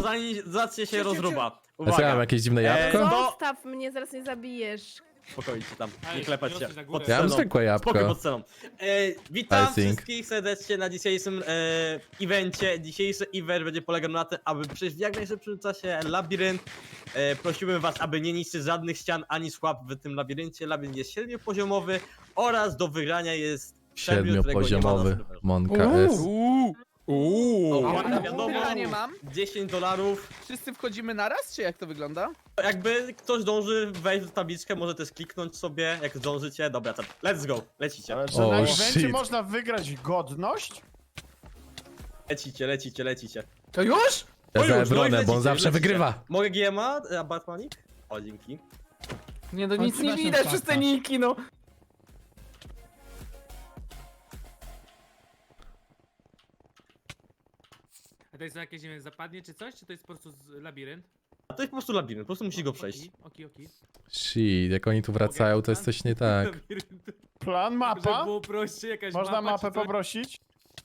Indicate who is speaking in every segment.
Speaker 1: zanim zacznie się rozruba.
Speaker 2: Ja mam
Speaker 1: Uwaga.
Speaker 2: jakieś dziwne jabłko?
Speaker 3: Zostaw mnie, zaraz nie zabijesz.
Speaker 1: Spokojnie tam,
Speaker 4: Ej,
Speaker 1: nie klepać się.
Speaker 4: wyrosłeś na
Speaker 1: Pod
Speaker 4: górę.
Speaker 2: Ja mam
Speaker 1: sceną.
Speaker 2: zwykłe jabłko.
Speaker 1: Spokój pod sceną. Witam
Speaker 2: I think.
Speaker 1: wszystkich serdecznie na dzisiejszym evencie. Dzisiejszy event będzie polegał na tym, aby przejść w jak najszybszym czasie labirynt. Prosiłbym was, aby nie niszczyć żadnych ścian ani szłap w tym labiryncie. Labirynt jest 7-poziomowy oraz do wygrania jest Szemriel, którego nie ma na
Speaker 2: 7-poziomowy
Speaker 1: serwerze.
Speaker 2: Monka S.
Speaker 1: Ładna wiadomo,
Speaker 5: nie mam.
Speaker 1: $10.
Speaker 5: Wszyscy wchodzimy naraz, czy jak to wygląda?
Speaker 1: Jakby ktoś dąży wejść w tabliczkę, może też kliknąć sobie, jak zdążycie. Dobra, to let's go, lecicie.
Speaker 6: Ale że
Speaker 2: O,
Speaker 6: na evencie
Speaker 2: shit.
Speaker 6: można wygrać godność?
Speaker 1: Lecicie.
Speaker 5: To już?
Speaker 2: Ja
Speaker 1: No
Speaker 2: za
Speaker 1: już, no i
Speaker 2: Ebronem, bo on
Speaker 1: lecicie,
Speaker 2: zawsze
Speaker 1: lecicie.
Speaker 2: wygrywa.
Speaker 1: Mogę GMA, a Batmanik? O, dzięki.
Speaker 5: Nie, no nic nie widać przez te niki, no.
Speaker 4: A to jest jakieś, nie wiem, zapadnie czy coś? Czy to jest po prostu labirynt?
Speaker 1: A to jest po prostu labirynt, po prostu musisz go przejść.
Speaker 4: Oki.
Speaker 2: Shit, jak oni tu wracają, to jest coś nie tak.
Speaker 4: Labirynt.
Speaker 6: Plan,
Speaker 4: Żeby
Speaker 6: mapa?
Speaker 4: było prościej, jakaś
Speaker 6: Można
Speaker 4: mapa,
Speaker 6: mapę
Speaker 4: czy coś?
Speaker 6: poprosić?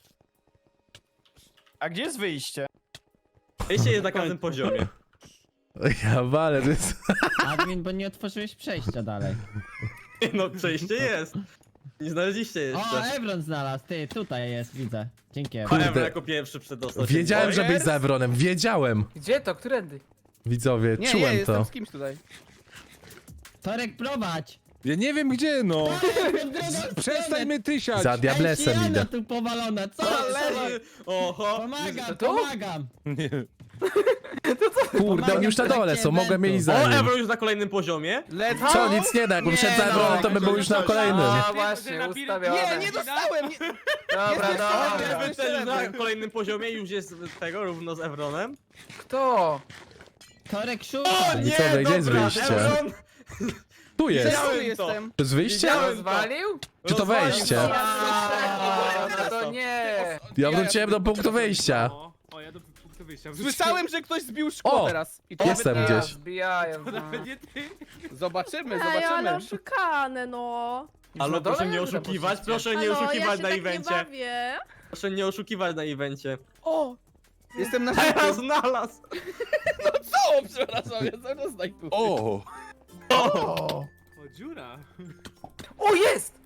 Speaker 6: A gdzie jest wyjście?
Speaker 1: Wejście jest na każdym poziomie.
Speaker 2: Ja walę, to jest...
Speaker 7: Admin, bo nie otworzyłeś przejścia dalej.
Speaker 1: No, przejście jest. Nie znaleźliście
Speaker 7: O,
Speaker 1: jeszcze.
Speaker 7: Evron znalazł, ty, tutaj jest, widzę. Dzięki.
Speaker 1: A
Speaker 7: Evron.
Speaker 1: Ebro jako pierwszy przedostał się.
Speaker 2: Wiedziałem,
Speaker 1: do
Speaker 2: że
Speaker 1: boju.
Speaker 2: być za Ebronem, wiedziałem.
Speaker 5: Gdzie to? Którędy?
Speaker 2: Widzowie,
Speaker 5: Nie,
Speaker 2: czułem
Speaker 5: jestem
Speaker 2: to.
Speaker 5: z kimś tutaj.
Speaker 7: Torek, prowadź!
Speaker 8: Ja nie wiem gdzie, no.
Speaker 7: W drugą
Speaker 8: Przestań
Speaker 7: stronę.
Speaker 8: mnie tysiać.
Speaker 2: Za diablesem
Speaker 7: Ej,
Speaker 2: idę.
Speaker 7: Siana tu powalona, co?
Speaker 1: Leży! Oho!
Speaker 7: Pomagam,
Speaker 5: To?
Speaker 7: pomagam!
Speaker 8: Nie.
Speaker 2: Kurde, oni już na dole są, mogłem mieć
Speaker 1: O,
Speaker 2: za nim.
Speaker 1: Ebro już na kolejnym poziomie.
Speaker 5: Let's
Speaker 2: Co, nic nie da, jakbym wszedł za Ebronem, to bym był już na kolejnym.
Speaker 5: A,
Speaker 4: Ty,
Speaker 5: właśnie,
Speaker 4: ten labirynt-
Speaker 5: ustawione. Nie dostałem! Dobra,
Speaker 1: Ebro
Speaker 5: dobra.
Speaker 1: też już na kolejnym poziomie, już jest tego, równo z Ebronem.
Speaker 5: Kto?
Speaker 7: Torek, szukaj!
Speaker 2: Widzowie, gdzie jest
Speaker 1: dobra,
Speaker 2: wyjście?
Speaker 1: Ebron
Speaker 2: Tu jest.
Speaker 1: Widziałem
Speaker 5: Tu
Speaker 1: to.
Speaker 5: jestem.
Speaker 2: To jest wyjście?
Speaker 1: Widziałem.
Speaker 5: Rozwalił?
Speaker 2: Czy to
Speaker 1: rozwalił
Speaker 2: wejście?
Speaker 1: to.
Speaker 5: No to nie.
Speaker 2: Ja wróciłem do punktu wyjścia.
Speaker 4: O, ja do punktu wyjścia.
Speaker 5: Słyszałem, że ktoś zbił szkło
Speaker 2: O,
Speaker 5: teraz. I
Speaker 2: jestem
Speaker 5: nawet
Speaker 2: gdzieś.
Speaker 5: Zbijają.
Speaker 4: To nawet nie ty.
Speaker 5: Zobaczymy,
Speaker 3: Ej, ale
Speaker 5: zobaczymy.
Speaker 3: oszukane, no.
Speaker 1: Ale
Speaker 5: Na dole?
Speaker 1: proszę nie
Speaker 5: Dobra,
Speaker 1: oszukiwać,
Speaker 5: poszliście.
Speaker 1: proszę nie
Speaker 3: Halo, ja
Speaker 1: oszukiwać
Speaker 3: się
Speaker 1: na
Speaker 3: tak nie
Speaker 1: evencie.
Speaker 3: bawię.
Speaker 1: Proszę nie oszukiwać na evencie.
Speaker 5: O! Jestem na
Speaker 1: Teraz
Speaker 5: szybkim.
Speaker 1: znalazł!
Speaker 5: O, przepraszam, ja zaraz znajduję.
Speaker 8: O!
Speaker 6: O!
Speaker 4: O, dziura.
Speaker 5: O, jest!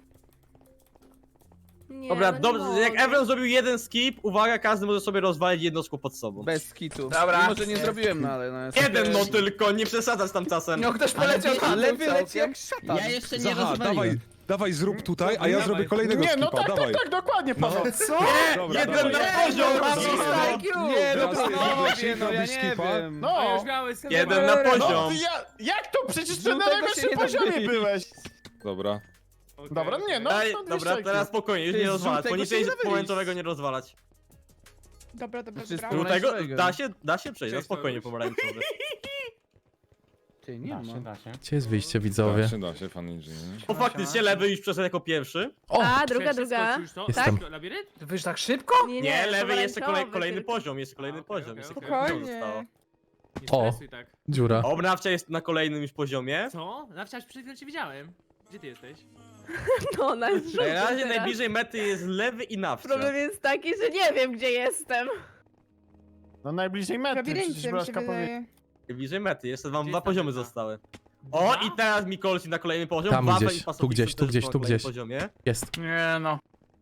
Speaker 3: Nie,
Speaker 1: Dobra,
Speaker 3: no nie
Speaker 1: dobrze, jak
Speaker 3: mogę.
Speaker 1: Ebron zrobił jeden skip, uwaga, każdy może sobie rozwalić jedno szkło pod sobą.
Speaker 5: Bez kitu.
Speaker 1: Dobra.
Speaker 5: Mimo, że nie zrobiłem, no ale no jest.
Speaker 1: Jeden no tylko, nie przesadzać tam czasem.
Speaker 5: No ktoś poleciał tam, lewy leci jak szatan.
Speaker 7: Ja jeszcze nie
Speaker 8: Zaha, dawaj,
Speaker 7: rozwaliłem.
Speaker 8: dawaj zrób tutaj, a ja
Speaker 4: Dawaj.
Speaker 8: zrobię kolejnego
Speaker 6: Nie, no
Speaker 8: skipa,
Speaker 6: tak,
Speaker 8: dawaj.
Speaker 6: tak, dokładnie, Paweł.
Speaker 5: Co?
Speaker 8: Dobra,
Speaker 1: Jeden
Speaker 8: dawaj.
Speaker 1: na poziom,
Speaker 5: Mam
Speaker 1: Paweł.
Speaker 5: IQ! Nie, no
Speaker 8: Teraz
Speaker 5: to
Speaker 8: ty
Speaker 5: panowie,
Speaker 8: robisz
Speaker 5: no ja nie
Speaker 8: skipa.
Speaker 5: wiem.
Speaker 6: No.
Speaker 4: A już miałeś
Speaker 1: Jeden na
Speaker 6: No,
Speaker 1: poziom.
Speaker 6: jak to? Przecież ty na
Speaker 5: Żółtego się
Speaker 6: najwyższym
Speaker 5: nie
Speaker 6: poziomie
Speaker 5: zabije.
Speaker 6: byłeś.
Speaker 8: Dobra.
Speaker 6: Dobra, nie, no.
Speaker 1: Daj,
Speaker 6: to
Speaker 1: dobra,
Speaker 6: 200
Speaker 1: teraz spokojnie, już
Speaker 5: Ty,
Speaker 1: nie
Speaker 5: z
Speaker 1: rozwalać.
Speaker 5: żółtego
Speaker 1: Poniżej
Speaker 5: się nie da wyjść.
Speaker 1: pomarańczowego nie rozwalać.
Speaker 3: Dobra, dobra,
Speaker 5: Znaczy,
Speaker 3: dobra.
Speaker 1: Żółtego
Speaker 5: Pomarańczowego.
Speaker 1: da się przejść, no
Speaker 4: Cześć,
Speaker 1: spokojnie
Speaker 4: Paweł.
Speaker 1: pomarańczowy.
Speaker 5: Ty, nie ma.
Speaker 2: Gdzie jest wyjście, widzowie?
Speaker 8: Da się, fan inżynier.
Speaker 1: O, faktycznie lewy już przeszedł jako pierwszy.
Speaker 2: O!
Speaker 3: A, druga.
Speaker 2: Jestem.
Speaker 4: Labirynt?
Speaker 5: Ty wyjść tak szybko?
Speaker 1: Nie, lewy jeszcze
Speaker 3: pomarańczowy
Speaker 1: kolejny
Speaker 3: tylko.
Speaker 1: poziom, jeszcze kolejny
Speaker 4: A, okej,
Speaker 1: poziom.
Speaker 4: okej,
Speaker 1: Jeszcze
Speaker 4: okej.
Speaker 1: kolejny poziom zostało.
Speaker 4: Nie
Speaker 2: O.
Speaker 4: stresuj tak.
Speaker 2: Dziura.
Speaker 1: Obrawcza jest na kolejnym już poziomie.
Speaker 4: Co? Nawciarz przed chwilą cię widziałem. Gdzie ty jesteś?
Speaker 3: No, na
Speaker 1: Na razie
Speaker 3: teraz.
Speaker 1: najbliżej mety jest lewy i nawcia.
Speaker 3: Problem jest taki, że nie wiem, gdzie jestem.
Speaker 6: No najbliżej mety, przecież Blaszka powiedział.
Speaker 1: Najbliżej mety, jeszcze wam
Speaker 4: Gdzie
Speaker 1: dwa
Speaker 4: jest ta
Speaker 1: poziomy
Speaker 4: meta?
Speaker 1: zostały. O, i teraz Mikolsi na kolejny poziom.
Speaker 2: Tam
Speaker 1: Wawa
Speaker 2: gdzieś,
Speaker 1: i Pasowicz
Speaker 2: tu gdzieś,
Speaker 1: też
Speaker 2: tu gdzieś,
Speaker 1: na
Speaker 2: tu
Speaker 1: kolejnym
Speaker 2: gdzieś.
Speaker 1: poziomie.
Speaker 2: Jest.
Speaker 5: Nie no.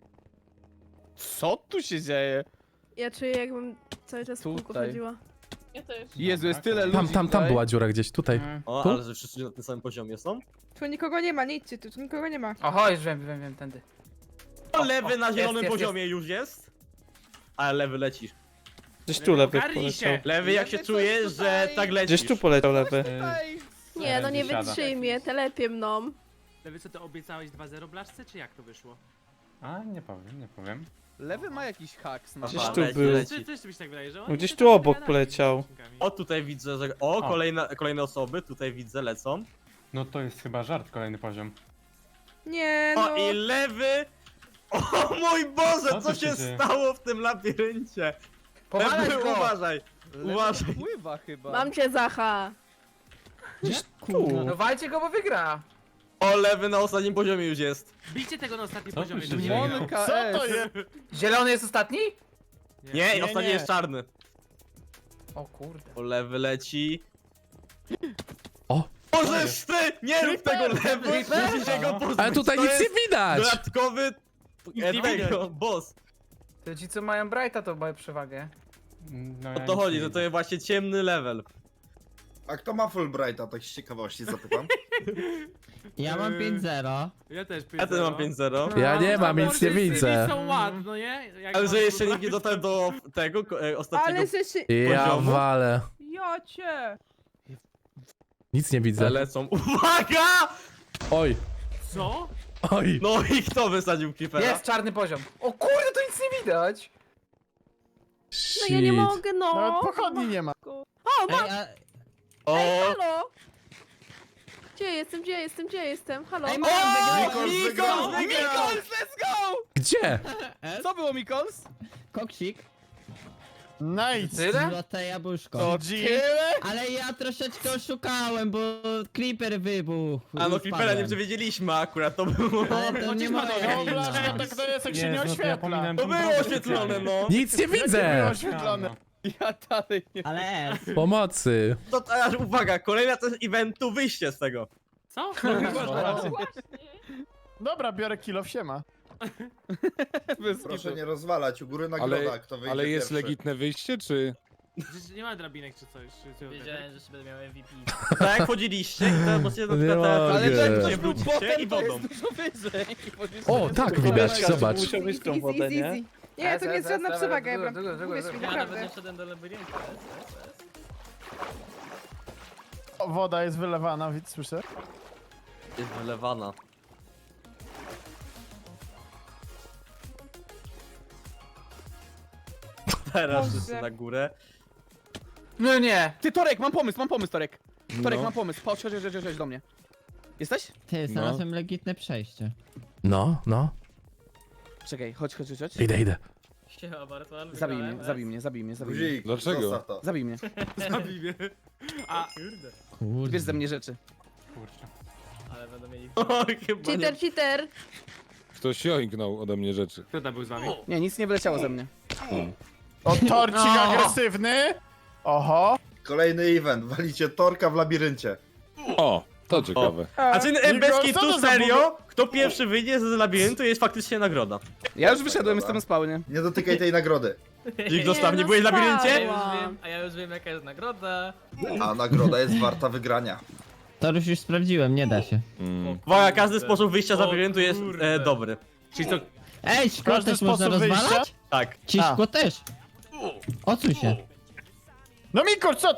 Speaker 5: Co tu się dzieje?
Speaker 3: Ja czuję, jakbym cały czas w kółko
Speaker 5: Tutaj.
Speaker 3: chodziła. Ja też.
Speaker 5: Jezu, jest tyle ludzi
Speaker 2: Tam
Speaker 5: tutaj.
Speaker 2: była dziura gdzieś, tutaj.
Speaker 1: O,
Speaker 2: Tu?
Speaker 1: ale że wszyscy na tym samym poziomie są.
Speaker 9: Tu nikogo nie ma, nie idźcie tu nikogo nie ma.
Speaker 5: Oho, już wiem, tędy.
Speaker 1: O, lewy na
Speaker 5: jest,
Speaker 1: zielonym
Speaker 5: jest,
Speaker 1: poziomie już jest. Ale lewy lecisz.
Speaker 10: Gdzieś tu lewy
Speaker 4: Ogarnij się!
Speaker 10: poleciał.
Speaker 1: Lewy jak się
Speaker 5: Lewy
Speaker 1: czujesz,
Speaker 5: coś
Speaker 1: że
Speaker 5: tutaj.
Speaker 1: tak lecisz.
Speaker 10: Gdzieś tu poleciał lewy.
Speaker 3: Nie, no nie wytrzymie, telepie mną.
Speaker 4: Lewy, co ty obiecałeś 2-0 blaszce, czy jak to wyszło?
Speaker 10: A, nie powiem.
Speaker 5: Lewy ma jakiś haks na
Speaker 10: Gdzieś
Speaker 1: Aha,
Speaker 10: tu
Speaker 1: leci,
Speaker 10: był.
Speaker 1: leci.
Speaker 4: Coś mi się tak wydaje, że
Speaker 10: No
Speaker 4: on
Speaker 10: gdzieś
Speaker 4: się
Speaker 10: tu
Speaker 4: tak
Speaker 10: obok
Speaker 4: gada
Speaker 10: poleciał.
Speaker 4: odcinkami.
Speaker 1: O, tutaj widzę, że... O, kolejne osoby, tutaj widzę, lecą.
Speaker 10: No to jest chyba żart, kolejny poziom.
Speaker 9: Nie no.
Speaker 1: O, i lewy... O mój Boże,
Speaker 10: Co
Speaker 1: co
Speaker 10: tu
Speaker 1: się
Speaker 10: się dzieje?
Speaker 1: stało w tym labiryncie?
Speaker 5: Powalać
Speaker 1: Lewy,
Speaker 5: go!
Speaker 1: uważaj.
Speaker 5: Lewy
Speaker 1: Uważaj.
Speaker 5: pływa chyba.
Speaker 3: Mam cię, Zacha.
Speaker 10: Tu.
Speaker 5: No walcie go, bo wygra.
Speaker 1: O, lewy na ostatnim poziomie już jest.
Speaker 4: Bijcie tego na ostatnim
Speaker 10: Co tu
Speaker 4: poziomie.
Speaker 10: się
Speaker 4: żeby nie
Speaker 10: dzieje?
Speaker 4: wygrał.
Speaker 5: Monka
Speaker 6: Co to
Speaker 5: S.
Speaker 6: jest?
Speaker 5: Zielony jest ostatni?
Speaker 1: Nie,
Speaker 6: Nie,
Speaker 1: ostatni
Speaker 6: nie.
Speaker 1: jest czarny.
Speaker 11: O kurde.
Speaker 1: O, lewy leci.
Speaker 2: O.
Speaker 1: Możesz ty! Nie rób tego lewy! Musisz się go pozbyć.
Speaker 2: Ale tutaj
Speaker 1: To
Speaker 2: nic nie
Speaker 1: jest
Speaker 2: widać!
Speaker 1: Dodatkowy tego, boss.
Speaker 11: To ci co mają Brighta to mają przewagę.
Speaker 10: No,
Speaker 1: O
Speaker 10: ja
Speaker 1: to
Speaker 10: nic
Speaker 1: chodzi,
Speaker 10: nie
Speaker 1: że
Speaker 10: widzę.
Speaker 1: to jest właśnie ciemny level.
Speaker 12: A kto ma Fulbrighta, tak z ciekawości zapytam?
Speaker 7: Ja mam 5-0.
Speaker 4: Ja też
Speaker 1: Ja też mam 5-0.
Speaker 2: Ja nie mam, nic nie widzę.
Speaker 4: są ładne, no nie? Jak
Speaker 1: Ale
Speaker 4: mam
Speaker 1: że jeszcze
Speaker 4: wybrać,
Speaker 1: nikt nie dotarł do tego ostatniego
Speaker 9: Ale że się...
Speaker 2: Ja
Speaker 1: poziomu?
Speaker 2: walę.
Speaker 9: Jocie!
Speaker 2: Nic nie widzę.
Speaker 1: lecą. Uwaga!
Speaker 2: Oj,
Speaker 4: Co?
Speaker 2: oj.
Speaker 1: No i kto wysadził creepera?
Speaker 11: Jest czarny poziom. O kurde, to nic nie widać.
Speaker 3: No ja nie
Speaker 2: Shit.
Speaker 3: mogę, no.
Speaker 6: Nawet pochodni nie ma.
Speaker 3: O,
Speaker 7: Ej, a...
Speaker 1: O!
Speaker 3: halo! Gdzie jestem? Halo?
Speaker 7: Ej, mam
Speaker 12: Mikols wygrał!
Speaker 5: Mikols, let's go!
Speaker 2: Gdzie?
Speaker 5: Co było, Mikols?
Speaker 7: Koksik.
Speaker 6: Nice!
Speaker 11: Tyle?
Speaker 7: Złote jabłuszko.
Speaker 5: To
Speaker 6: G.
Speaker 5: tyle?
Speaker 7: Ale ja troszeczkę oszukałem, bo creeper wybuchł.
Speaker 1: A no
Speaker 7: i
Speaker 1: creepera nie
Speaker 7: spadłem.
Speaker 1: przewiedzieliśmy akurat, to było...
Speaker 7: Ale to nie ma
Speaker 6: No Blaszka, tak to jest jak się nie
Speaker 10: Jezu, to ja
Speaker 6: oświetla.
Speaker 10: pominąłem
Speaker 1: To
Speaker 10: tą
Speaker 1: było
Speaker 10: drogę
Speaker 1: oświetlone,
Speaker 10: specjalnie.
Speaker 1: no.
Speaker 2: Nic nie
Speaker 6: Nie było
Speaker 2: widzę!
Speaker 6: oświetlone.
Speaker 5: Ja dalej nie.
Speaker 7: Ale S.
Speaker 2: Pomocy.
Speaker 1: To teraz uwaga, kolejna to jest eventu, wyjście z tego.
Speaker 4: Co?
Speaker 6: Dobra, biorę kilo w siema.
Speaker 12: Proszę nie rozwalać, u góry nagroda, kto wyjdzie
Speaker 8: Ale jest
Speaker 12: pierwszy.
Speaker 8: legitne wyjście, czy...
Speaker 4: Przecież nie ma drabinek czy coś.
Speaker 11: Wiedziałem, że się będę miał MVP.
Speaker 1: Tak jak wchodziliście i to możecie na
Speaker 2: Nie
Speaker 1: przykład teraz
Speaker 2: mogę.
Speaker 5: Ale to jak
Speaker 2: Nie,
Speaker 5: ktoś był
Speaker 1: wrócicie
Speaker 5: botem,
Speaker 1: i
Speaker 5: to
Speaker 1: wodą.
Speaker 5: jest dużo wyżej.
Speaker 2: O, tak widać, zobacz.
Speaker 9: Easy, easy, easy. Nie, to nie jest żadna przewaga, Ebra. Uwierz mi, naprawdę.
Speaker 11: wszedłem do labiryntu.
Speaker 6: O, woda jest wylewana, widz, słyszę?
Speaker 1: Jest wylewana. Teraz
Speaker 9: Boże.
Speaker 1: wszyscy na górę.
Speaker 11: No nie.
Speaker 5: Ty, Torek, mam pomysł, Torek. Torek,
Speaker 8: No.
Speaker 5: mam pomysł. Chodź do mnie. Jesteś?
Speaker 7: Ty, znalazłem legitne przejście.
Speaker 2: No, no.
Speaker 5: Czekaj, chodź.
Speaker 2: Idę.
Speaker 11: Siema, bardzo, ale
Speaker 5: Zabij mnie.
Speaker 12: Guzik,
Speaker 8: Dlaczego?
Speaker 12: zostaw to.
Speaker 5: Zabij mnie.
Speaker 4: Zabij mnie. A,
Speaker 7: Kurde.
Speaker 5: Wiesz ze mnie rzeczy.
Speaker 10: Kurczę.
Speaker 11: ale będą mieli...
Speaker 1: O, chyba nie.
Speaker 3: Cheater!
Speaker 8: Ktoś joinknął ode mnie rzeczy.
Speaker 4: kto tam był z wami?
Speaker 5: Nie, nic nie wyleciało ze mnie.
Speaker 6: O, torcik agresywny! Oho!
Speaker 12: Kolejny event, walicie torka w labiryncie.
Speaker 8: O, to ciekawe.
Speaker 1: A czy
Speaker 6: Nikol,
Speaker 1: Beski
Speaker 6: co to
Speaker 1: tu
Speaker 6: za
Speaker 1: serio? Kto pierwszy wyjdzie z labiryntu jest faktycznie nagroda.
Speaker 5: Ja już wyszedłem, jestem na spawnie.
Speaker 12: Nie dotykaj tej nagrody.
Speaker 1: Czyli zostaw, nie byłeś w labiryncie?
Speaker 11: A ja już wiem jaka jest nagroda.
Speaker 12: A nagroda jest warta wygrania.
Speaker 7: To już sprawdziłem, nie da się.
Speaker 1: Uwaga, każdy sposób wyjścia z labiryntu jest dobry.
Speaker 4: Czyli co?
Speaker 7: Ej, szkło
Speaker 6: Każdy
Speaker 7: też można
Speaker 6: sposób wyjścia?
Speaker 7: rozwalać?
Speaker 1: Tak.
Speaker 7: Ci
Speaker 6: A.
Speaker 7: szkło też. Odsuń się.
Speaker 6: No Mikol, co?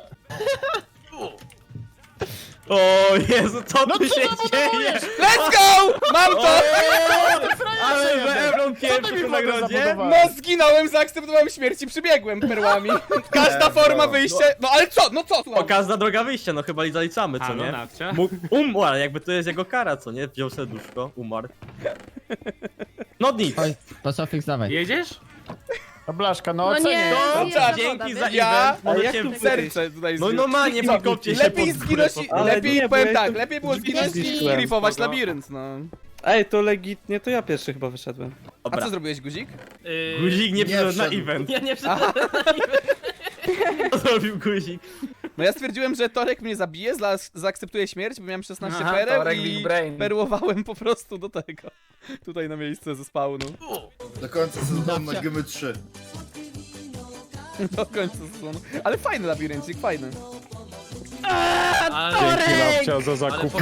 Speaker 1: O Jezu, co
Speaker 6: No
Speaker 1: tu
Speaker 6: co
Speaker 1: się
Speaker 6: tam
Speaker 1: dzieje?
Speaker 6: budujesz?
Speaker 5: Let's go! Mam to!
Speaker 1: Ale że Ebron
Speaker 6: Co
Speaker 1: pierwszy
Speaker 6: ty mi
Speaker 1: w
Speaker 6: wodę
Speaker 1: nagrodzie?
Speaker 6: zabudowałeś?
Speaker 5: No zginąłem, zaakceptowałem śmierć i przybiegłem perłami. Każda
Speaker 12: Nie,
Speaker 5: forma
Speaker 12: no,
Speaker 5: wyjścia... No ale co? No co?
Speaker 1: O,
Speaker 5: Słucham.
Speaker 1: każda droga wyjścia, no chyba zaliczamy, co
Speaker 4: A, no
Speaker 1: nie?
Speaker 4: nawcia.
Speaker 1: Umarł, jakby to jest jego kara, co nie? Wziął serduszko, umarł. No nic.
Speaker 7: Oj, to Sofix, dawaj.
Speaker 4: Jedziesz?
Speaker 6: No Blaszka, no
Speaker 3: No
Speaker 6: ocenię.
Speaker 3: nie,
Speaker 1: To
Speaker 3: jest woda,
Speaker 1: dzięki za
Speaker 3: wiesz?
Speaker 5: Ja-
Speaker 1: event, możecie wyjść.
Speaker 5: Serce tutaj
Speaker 1: No
Speaker 5: zbił.
Speaker 1: normalnie wykopcie się
Speaker 5: Lepiej
Speaker 1: pod górę,
Speaker 5: zginąć,
Speaker 1: po-
Speaker 5: lepiej powiem tak, lepiej było zginąć niż
Speaker 3: Zginąłem.
Speaker 5: grifować labirynt, no.
Speaker 10: Ej, to legitnie, to ja pierwszy chyba wyszedłem.
Speaker 5: A
Speaker 1: Dobra.
Speaker 5: co zrobiłeś, guzik?
Speaker 1: Guzik nie przyszedł na
Speaker 12: wszedł.
Speaker 1: event.
Speaker 11: Ja nie wszedłem.
Speaker 1: Co zrobił guzik?
Speaker 5: No ja stwierdziłem, że Torek mnie zabije, zaakceptuje śmierć, bo miałem 16
Speaker 11: Aha,
Speaker 5: pereł
Speaker 11: Torek
Speaker 5: i
Speaker 11: Big Brain.
Speaker 5: perłowałem po prostu do tego. Tutaj na miejsce ze spawnu.
Speaker 12: Do końca sezonu na Gymy 3.
Speaker 5: Do końca sezonu. Ale fajny labiryncik, fajny.
Speaker 8: Dzięki Lapcia za zakup.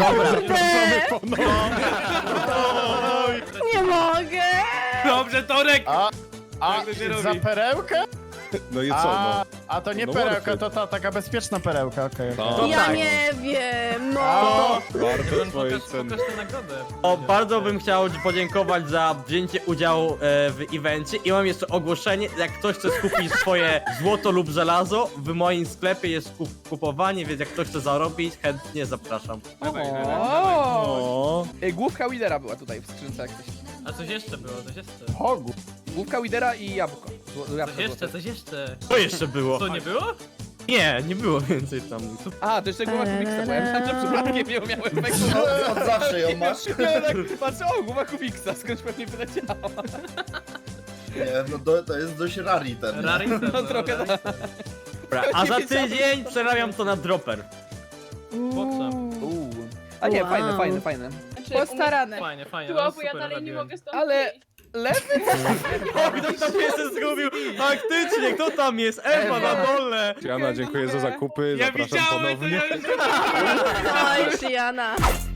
Speaker 3: Nie mogę!
Speaker 4: Dobrze, Torek!
Speaker 6: A
Speaker 4: Tak to się robi.
Speaker 6: za perełkę?
Speaker 8: No i co, no?
Speaker 6: A to nie
Speaker 8: No
Speaker 6: perełka,
Speaker 8: morfy.
Speaker 6: to ta taka bezpieczna perełka, okej.
Speaker 8: To
Speaker 3: Ja nie wiem, no.
Speaker 8: warto twojej ceny.
Speaker 11: Pokaż tę nagrodę.
Speaker 1: O, bardzo bym chciał podziękować za wzięcie udziału w evencie i mam jeszcze ogłoszenie, jak ktoś chce skupić swoje złoto lub żelazo, w moim sklepie jest kupowanie, więc jak ktoś chce zarobić, chętnie zapraszam.
Speaker 5: O! Główka Widera była tutaj w skrzynce jak coś.
Speaker 11: A coś jeszcze było, coś jeszcze.
Speaker 6: Hogu.
Speaker 5: Główka Widera i jabłko.
Speaker 11: Coś jeszcze.
Speaker 1: Co jeszcze było?
Speaker 11: Co, nie było?
Speaker 1: Nie było więcej tam.
Speaker 5: A, to jeszcze głowa Kubiksa, bo ja myślałem, że przypadkiem ją miałem tak
Speaker 12: Od zawsze ją masz?
Speaker 5: Patrzę, o, głowa Kubiksa, skądś pewnie wyleciała.
Speaker 12: Nie, no to jest dość rari ten.
Speaker 11: Rarity.
Speaker 5: No trochę tak.
Speaker 1: Dobra, a za tydzień przerabiam to na dropper.
Speaker 5: A nie,
Speaker 3: Wow.
Speaker 5: fajne.
Speaker 9: Postarane.
Speaker 11: Fajnie, fajnie.
Speaker 9: Słabo,
Speaker 11: no,
Speaker 9: ja
Speaker 11: super
Speaker 9: dalej nie
Speaker 11: labirynt.
Speaker 9: mogę stąd
Speaker 5: Ale lewy?
Speaker 1: O, ktoś tam się zgubił! Faktycznie, kto tam jest? Ewa na dole!
Speaker 8: Jana, dziękuję za zakupy,
Speaker 4: Ja
Speaker 8: zapraszam
Speaker 4: widziałem, to
Speaker 8: ponownie.
Speaker 4: ja już
Speaker 3: Oj, Shiana.